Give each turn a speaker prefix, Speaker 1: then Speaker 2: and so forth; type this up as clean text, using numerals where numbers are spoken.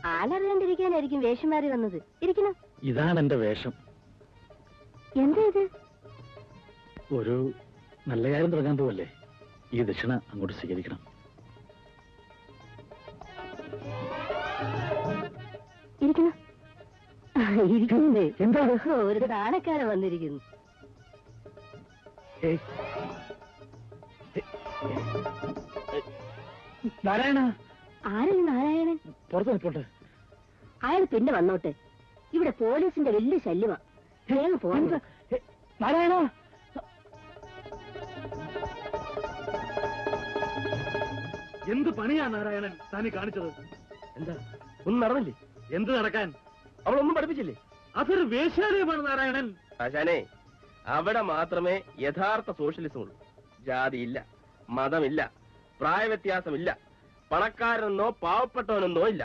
Speaker 1: ആളറിയാണ്ടിരിക്കാനായിരിക്കും വേഷം മാറി വന്നത്. ഇരിക്കണം.
Speaker 2: ഇതാണ് എന്റെ വേഷം.
Speaker 1: എന്താ ഇത്?
Speaker 2: ഒരു നല്ല കാര്യം തുടങ്ങാൻ പോവല്ലേ, ഈ ദക്ഷിണ അങ്ങോട്ട് സ്വീകരിക്കണം.
Speaker 1: ഇരിക്കണം. ഇരിക്കുന്നേ. എന്താ? ഒരു നാണക്കാരൻ വന്നിരിക്കുന്നു.
Speaker 2: നാരായണ.
Speaker 1: ആരാണ് നാരായണൻ?
Speaker 2: പുറത്ത് നിൽപ്പോട്ടെ.
Speaker 1: അയാൾ പിന്നെ വന്നോട്ടെ. ഇവിടെ പോലീസിന്റെ വലിയ ശല്യമാ. വേഗം പോകാൻ.
Speaker 2: നാരായണ. എന്ത് പണിയാ നാരായണൻ താനീ കാണിച്ചത്?
Speaker 3: എന്താ ഒന്നും നടന്നില്ലേ?
Speaker 2: എന്ത് നടക്കാൻ?
Speaker 3: അവളൊന്നും പഠിപ്പിച്ചില്ലേ?
Speaker 2: അതൊരു വേശ്യാലയമാണ് നാരായണൻ.
Speaker 3: ആശാനെ, അവിടെ മാത്രമേ യഥാർത്ഥ സോഷ്യലിസം ഉള്ളൂ. ജാതിയില്ല, മതമില്ല, പ്രായവ്യത്യാസമില്ല, പണക്കാരനെന്നോ പാവപ്പെട്ടവനെന്നോ ഇല്ല.